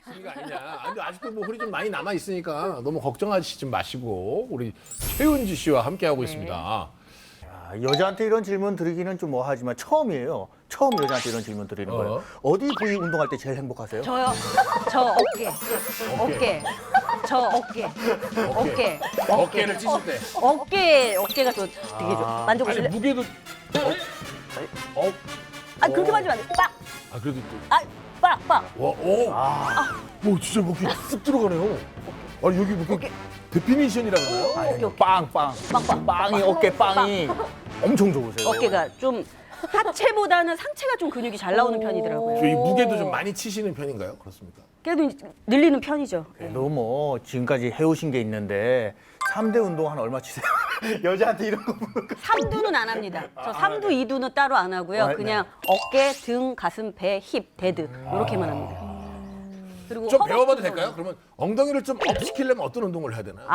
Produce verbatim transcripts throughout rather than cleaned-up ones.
분위기가 아니냐. 근데 아직도 뭐 홀이 좀 많이 남아 있으니까 너무 걱정하시지 마시고 우리 최은지 씨와 함께 하고 있습니다. 아, 여자한테 이런 질문 드리기는 좀 뭐하지만 처음이에요. 처음 여자한테 이런 질문 드리는 어. 거예요. 어디 부위 운동할 때 제일 행복하세요? 저요. 저 어깨. 어깨. 저 어깨. 어깨. 어깨를 찢을 때. 어깨 어깨가 저 되게 좀 아니 만져보실래? 무게도. 어? 어? 아 그렇게 만지면 안 돼. 빡. 아 그래도 또. 아 빡. 빡. 와, 오. 아. 오, 진짜 목이 쑥 들어가네요. 아니 여기 뭐 어깨. 데피니션이라고 하나요? 어깨 어깨. 빵, 빵. 빵, 빵. 빵이, 어깨 빵이 엄청 좋으세요. 어깨가 좀 하체보다는 상체가 좀 근육이 잘 나오는 편이더라고요. 저희 무게도 좀 많이 치시는 편인가요? 그렇습니까? 그래도 이제 늘리는 편이죠. 그래도 뭐 지금까지 해오신 게 있는데 삼 대 운동 한 얼마 치세요? 여자한테 이런 거 물어볼까? 삼두는 안 합니다. 저 삼두, 이두는 따로 안 하고요. 아, 네. 그냥 어깨, 등, 가슴, 배, 힙, 데드 이렇게만 합니다. 그리고 좀 허벅지 배워봐도 운동은 될까요? 그러면 엉덩이를 좀 업 시키려면 어떤 운동을 해야 되나요? 아,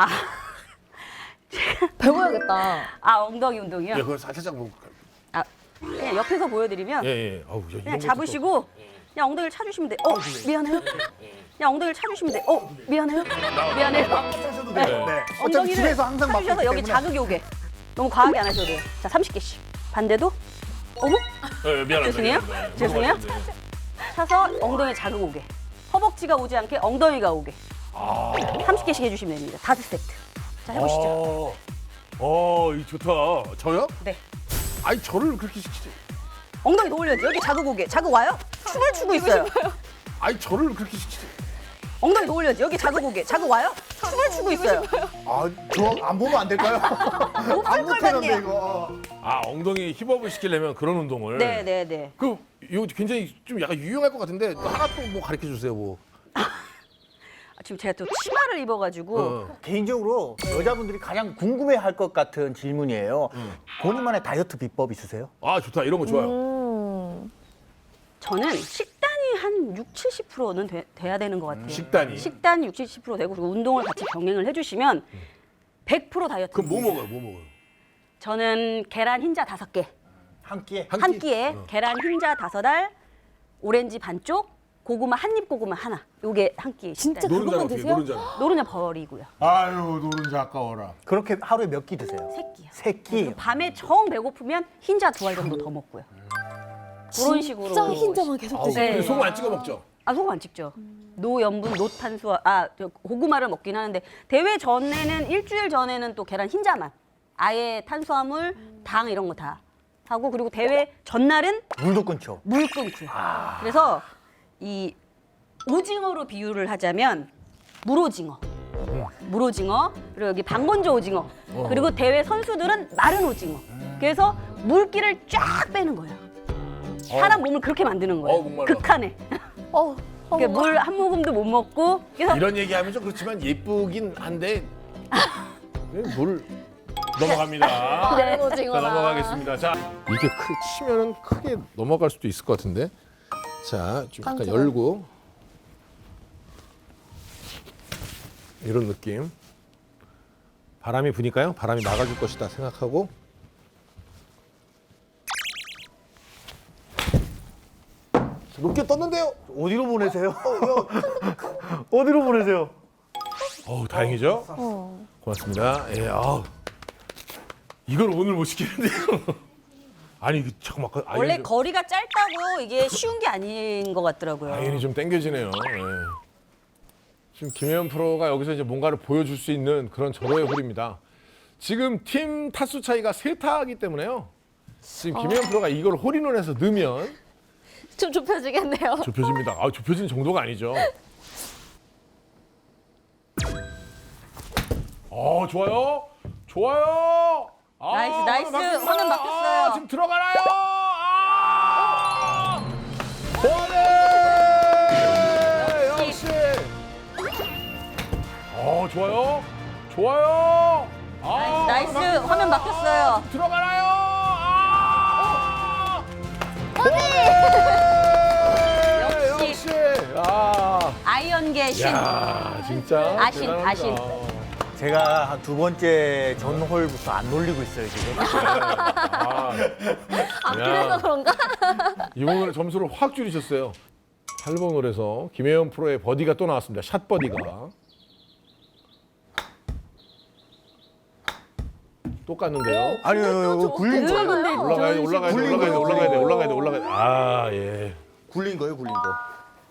배워야겠다. 아 엉덩이 운동이요? 예, 그걸 살짝 뭐. 아, 그냥 옆에서 보여드리면 예, 예. 아우, 야, 이런 그냥 것도 잡으시고 그냥 엉덩이를 차주시면 돼. 어, 미안해요. 그냥 엉덩이를 차주시면 돼. 어, 미안해요. 미안해요. 하셔도 돼요. 네. 네. 어차피 엉덩이를 집에서 항상 맡고 차주셔서 있기 여기 때문에. 자극이 오게. 너무 과하게 안 하셔도 돼요. 자, 삼십 개씩. 반대도. 어머? 또. 예, 미안합니다. 죄송해요. 네, 죄송해요. 넘어가시는데. 차서 엉덩이에 자극 오게. 허벅지가 오지 않게 엉덩이가 오게. 삼십 개씩 해주시면 됩니다. 다섯 세트. 자, 해보시죠. 어, 어, 이 좋다. 저요? 네. 아니, 저를 그렇게 시키지. 엉덩이 더 올려야지. 여기 자극 오게. 자극 와요? 춤을 추고 있어요. 아니, 저를 그렇게 시키지. 엉덩이 더 올려야지. 여기 자극 오게. 자극 와요? 춤을 추고 있어요. 아, 저 안 보면 안 될까요? 안 걸 못하는데 같네요. 이거. 아, 엉덩이 힙업을 시키려면 그런 운동을. 네, 네, 네. 그, 이거 굉장히 좀 약간 유용할 것 같은데 또 하나 또 뭐 가르쳐 주세요, 뭐. 아, 지금 제가 또 치마를 입어가지고 어. 개인적으로 여자분들이 가장 궁금해할 것 같은 질문이에요. 본인만의 다이어트 비법 있으세요? 아, 좋다. 이런 거 좋아요. 음. 저는 식단이 한 육, 칠십 퍼센트는 돼, 돼야 되는 것 같아요. 식단이. 식단이 육, 칠십 퍼센트 되고 그리고 운동을 같이 병행을 해주시면 백 퍼센트 다이어트. 그럼 뭐 먹어요? 뭐 먹어요? 저는 계란 흰자 다섯 개, 한 끼에? 한 한 끼? 끼에 어. 계란 흰자 다섯 알, 오렌지 반쪽, 고구마 한입 고구마 하나. 요게 한 끼. 진짜 식단. 노른자는 그것만 어떻게? 드세요? 노른자는. 노른자 버리고요. 아유, 노른자 아까워라. 그렇게 하루에 몇 끼 드세요? 세 끼요. 세 끼. 밤에 정 배고프면 흰자 두 알 정도 더 먹고요. 그런 식으로. 진짜 흰자만 계속 아우, 드시네. 네. 근데 소금 안 찍어 먹죠? 아 소금 안 찍죠. 노염분, 노탄수화, 아 저 고구마를 먹긴 하는데 대회 전에는 일주일 전에는 또 계란 흰자만, 아예 탄수화물, 당 이런 거 다 하고 그리고 대회 전날은 물도 끊죠. 물 끊고요. 그래서 이 오징어로 비유를 하자면 물오징어, 물오징어 그리고 여기 방건조 오징어 그리고 대회 선수들은 마른 오징어. 그래서 물기를 쫙 빼는 거예요. 사람 몸을 그렇게 만드는 거예요. 어, 목말라. 극한에. 어, 어. 물 한 모금도 못 먹고 그래서 이런 얘기하면 좀 그렇지만 예쁘긴 한데 물 넘어갑니다. 네. 다른 오징어라. 자, 넘어가겠습니다. 자, 이게 크, 치면은 크게 넘어갈 수도 있을 것 같은데. 자, 좀 약간 깡통을. 열고 이런 느낌. 바람이 부니까요. 바람이 막아줄 것이다 생각하고. 높게 떴는데요. 어디로 보내세요? 어디로 보내세요? 어우, 다행이죠. 어. 고맙습니다. 예, 아우. 이걸 오늘 못 시키는데요. 아니, 이거 잠깐만. 그 아이언이 원래 좀- 거리가 짧다고 이게 쉬운 게 아닌 것 같더라고요. 아이언이 좀 땡겨지네요. 예. 지금 김혜연 프로가 여기서 이제 뭔가를 보여줄 수 있는 그런 절호의 홀입니다. 지금 팀 타수 차이가 세 타이기 때문에요. 지금 김혜연 프로가 이걸 홀인원해서 넣으면 좀 좁혀지겠네요. 좁혀집니다. 아, 좁혀지는 정도가 아니죠. 어, 좋아요. 좋아요. 아, 나이스, 나이스. 바뀌었어요. 화면 바뀌었어요. 아, 지금 들어가나요? 아! 보내! 역시. 어, 좋아요. 좋아요. 아, 나이스, 나이스. 바뀌었어요. 화면 바뀌었어요. 들어가나요? 아! 역시. 역시. 아. 아이언계 신. 야, 진짜 아신, 대단합니다. 아신. 제가 한 두 번째 전홀부터 안 놀리고 있어요, 지금. 아, 아, 그래서 그런가? 이번에 점수를 확 줄이셨어요. 팔 번 홀에서 김혜연 프로의 버디가 또 나왔습니다. 샷 버디가. 또 깠는데요. 아니요, 굴린 거예요. 올라가야 돼, 올라가야 돼, 굴린 올라가야 돼, 거죠. 올라가야 돼, 올라가야 돼, 올라가야 돼. 아, 예. 굴린 거예요, 굴린 거.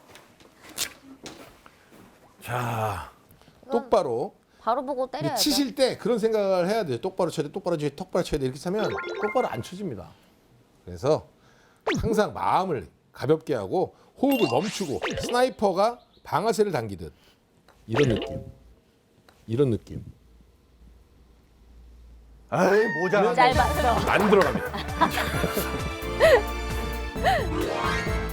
자, 똑바로. 바로 보고 근데 때려야죠. 치실 때 그런 생각을 해야 돼요. 똑바로 쳐야 돼, 똑바로 쳐야 돼, 똑바로 쳐야 돼. 이렇게 하면 똑바로 안 쳐집니다. 그래서 항상 마음을 가볍게 하고 호흡을 멈추고 스나이퍼가 방아쇠를 당기듯 이런 느낌. 이런 느낌. 아이, 모자. 짧았어. 안 들어갑니다.